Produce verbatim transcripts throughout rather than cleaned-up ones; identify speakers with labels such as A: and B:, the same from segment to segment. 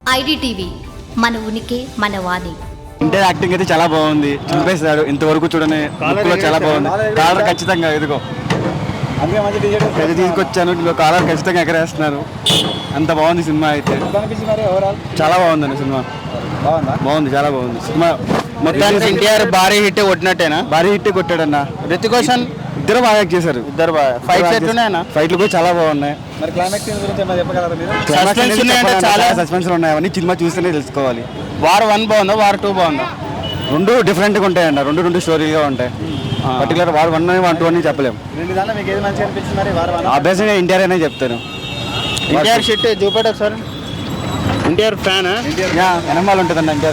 A: IDTV మన ఉనికి మన వాణి.
B: ఇంటర్ యాక్టింగ్ అయితే చాలా బాగుంది. చూపేస్తాడు ఇంతవరకు చూడని లుక్లో చాలా బాగుంది. కాలర్ ఖచ్చితంగా ఎదుగో పెద్ద తీసుకొచ్చాను. ఇంకో కాలర్ ఖచ్చితంగా ఎగరేస్తున్నారు. అంత బాగుంది సినిమా అయితే. చాలా బాగుందండి సినిమా. బాగుంది, చాలా బాగుంది సినిమా. మొత్తానికి ఎన్టీఆర్ భారీ హిట్ కొట్టినట్టేనా? భారీ హిట్ కొట్టాడన్న. రితిక్ రోషన్ ఇద్దరు బాగా యాక్ట్ చేశారు. ఇద్దరు బాగా ఫైట్స్ ఎట్లున్నాయన్నా? ఫైట్లు కూడా చాలా బాగున్నాయి. మరి క్లైమాక్స్ గురించి ఏమైనా చెప్పగలరా మీరు? చాలా సస్పెన్స్ ఉన్నాయి. అవన్నీ సినిమా చూస్తేనే తెలుసుకోవాలి. వార్ వన్ బాగుందా, వార్ టూ బాగుందా? రెండు డిఫరెంట్గా ఉంటాయన్న. రెండు రెండు స్టోరీగా ఉంటాయి. పర్టికులర్ వార్ వన్ అని వన్ టూ అని చెప్పలేము. అభ్యాసంగా ఎన్టీఆర్ అనే చెప్తాను. ఎన్టీఆర్ షిట్ చూపెట్టారు సార్. ఎన్టీఆర్ ఫ్యాన్ ఎనమాలు ఉంటుందండి. NTR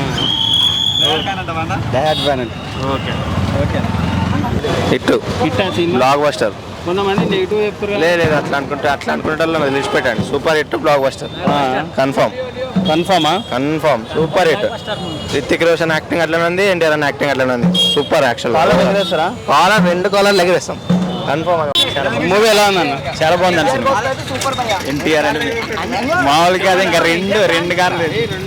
B: fan. Okay okay hit hit బ్లాక్ బస్టర్. కొంతమంది నెగిటివ్ చెప్తారు. లేదు అట్లా అనుకుంటే అట్లా అనుకుంటే నిలిచిపెట్టండి. సూపర్ హిట్ బ్లాక్ బస్టర్ కన్ఫర్మ్. కన్ఫర్మా? Confirm super hit. Hrithik Roshan acting అట్లనే ఉంది, ఎన్టీఆర్ అన్న యాక్టింగ్ అట్లనే ఉంది. Super action. ఎగరేస్తారా? కాలర్ రెండు కాలర్లు ఎగరేస్తాం కన్ఫర్మ్. మూవీ ఎలా ఉందన్న? చాలా బాగుందండి సినిమా. ఎన్టీఆర్ అని మామూలుగా కాదు, ఇంకా రెండు రెండు కార్లు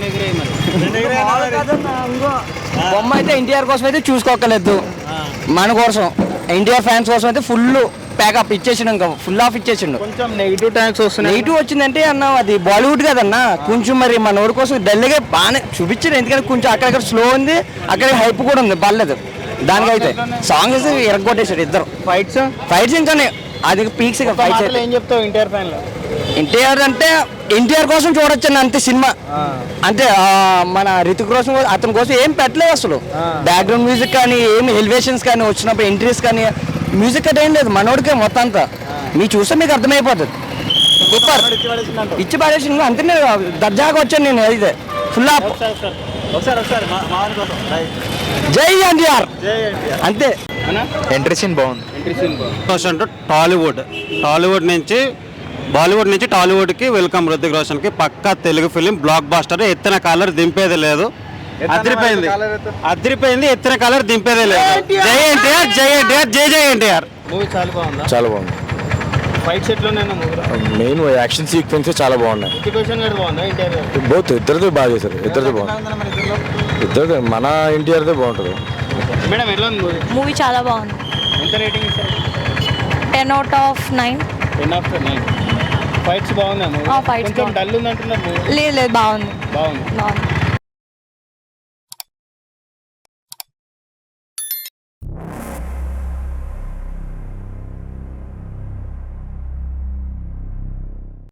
C: బొమ్మ అయితే ఎన్టీఆర్ కోసం అయితే చూసుకోకలేదు. మన కోసం ఎన్టీఆర్ ఫ్యాన్స్ కోసం అయితే ఫుల్ ప్యాకప్ ఇచ్చేసిండు. ఇంకా ఫుల్ ఆఫ్ ఇచ్చేసిండు.
B: కొంచెం నెగిటివ్ ట్యాక్స్ వస్తుంది.
C: నెగిటివ్ వచ్చిందంటే అన్న అది బాలీవుడ్ కదన్నా. కొంచెం మరి మన ఊరి కోసం డల్గా బాగానే చూపించారు. ఎందుకంటే కొంచెం అక్కడక్కడ స్లో ఉంది, అక్కడ హైప్ కూడా ఉంది. పర్లేదు దానికైతే. సాంగ్స్ ఎరగొట్టేశారు ఇద్దరు. ఫైట్స్ ఫైట్స్ ఇంకానే అది పీక్స్. ఫైట్స్
B: ఏం చెప్తావు ఎన్టీఆర్ ఫ్యాన్ లో?
C: ఎన్టీఆర్ అంటే ఎన్టీఆర్ కోసం చూడొచ్చు అన్న అంతే సినిమా. అంటే మన రితిక్ రోషన్ అతని కోసం ఏం పెట్టలేదు అసలు. బ్యాక్గ్రౌండ్ మ్యూజిక్ కానీ ఏమి ఎలివేషన్స్ కానీ వచ్చినప్పుడు ఎంట్రీస్ కానీ మ్యూజిక్ అంటే ఏం లేదు. మనోడికే మొత్తం అంతా మీరు చూస్తే మీకు అర్థమైపోతుంది. సూపర్ ఇచ్చి పడేసి అంతే. దర్జాగా వచ్చాను నేను. అయితే ఫుల్ ఆఫ్ జై ఎన్టీఆర్ అంతే.
B: ఎంట్రీ సీన్ బాగుంది.
D: అంటే టాలీవుడ్ టాలీవుడ్ నుంచి బాలీవుడ్ నుంచి టాలీవుడ్కి వెల్కమ్. రుతిక్ రోషన్కి పక్కా తెలుగు ఫిలిం బ్లాక్ బాస్టర్. ఎత్తిన కాలర్ దింపేది లేదు. అదిరిపోయింది అదిరిపోయింది ఎత్తిన కాలర్ దింపేదే లేదు. జై ఎన్టీఆర్, జై ఎన్టీఆర్, జై జై ఎన్టీఆర్.
B: మూవీ చాలా బాగుంది.
E: చాలా బాగుంది.
B: ఫైట్స్ ఎట్లున్నాయి?
E: మెయిన్ యాక్షన్ సీక్వెన్స్ చాలా బాగున్నాయి. బోత్ ఇద్దరితో బాగా చేశారు. ఇద్దరితో బాగుంది. ఇద్దరు మన ఎన్టీఆర్దే బాగుంటుంది.
B: మేడం ఎట్లా ఉంది మూవీ?
F: మూవీ చాలా బాగుంది.
B: ఎంత రేటింగ్ ఇస్తారు?
F: Ten out of nine.
B: Ten of nine. Fights బాగుందా?
F: ఫైట్స్
B: కొంచెం డల్ ఉంది అంటున్నారు.
F: లేదు లేదు బాగుంది
B: బాగుంది
F: బాగుంది